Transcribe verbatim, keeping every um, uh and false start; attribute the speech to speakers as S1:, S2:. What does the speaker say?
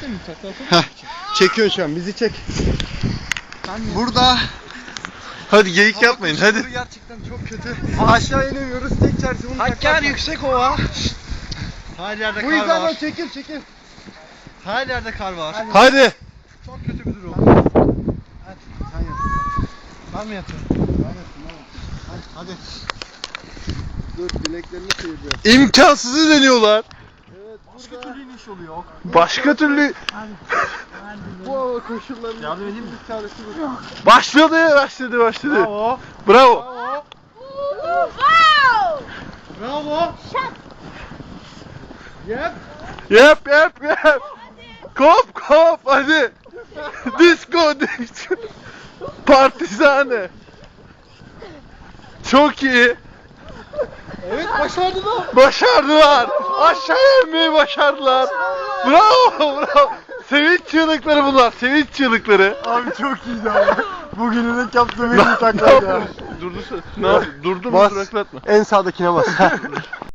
S1: mi? Takla atalım mı?
S2: Çekiyorsun şu an, bizi çek.
S3: Burada
S2: Hadi geyik yapmayın hadi.
S3: gerçekten çok kötü. Aşağı inemiyoruz. Tek çaresi bunu
S1: Hakkari Yüksekova.
S3: Her yerde
S2: Bu
S3: kar
S2: yüzden
S3: var.
S2: çekil çekil.
S3: Her yerde kar var.
S2: Hadi.
S3: Çok kötü bir durum.
S2: Hadi sen yap.
S3: Ben mi yapıyorum?
S2: Ben yapayım ben. Hadi. Dur bileklerini sıyırıyor.
S4: İmkansızı deniyorlar.
S2: Evet
S3: Başka
S2: burada
S3: türlü iniş oluyor.
S4: Başka türlü
S2: bu hava koşullarında
S3: Yardım edeyim mi?
S2: bir tanesi bu.
S4: başladı, başladı, başladı.
S3: Bravo.
S4: Bravo.
S5: Wow!
S3: Bravo.
S2: Yap.
S4: Yap, yap, yap. Kop, kop, hadi. Disco, disco. Partizane. Çok iyi.
S2: Evet başardılar.
S4: Başardılar. Aşağı inmeyi başardılar. Bravo, bravo. Sevinç çığlıkları bunlar, sevinç çığlıkları.
S3: Abi çok iyiydi abi. Bugünün ilk yaptığım en iyi
S4: Ne
S3: taklaydı.
S4: yapıyorsun? Durdu, ne yapıyorsun? Durdu mu?
S2: Bas.
S4: Duraklatma.
S2: En sağdakine bas.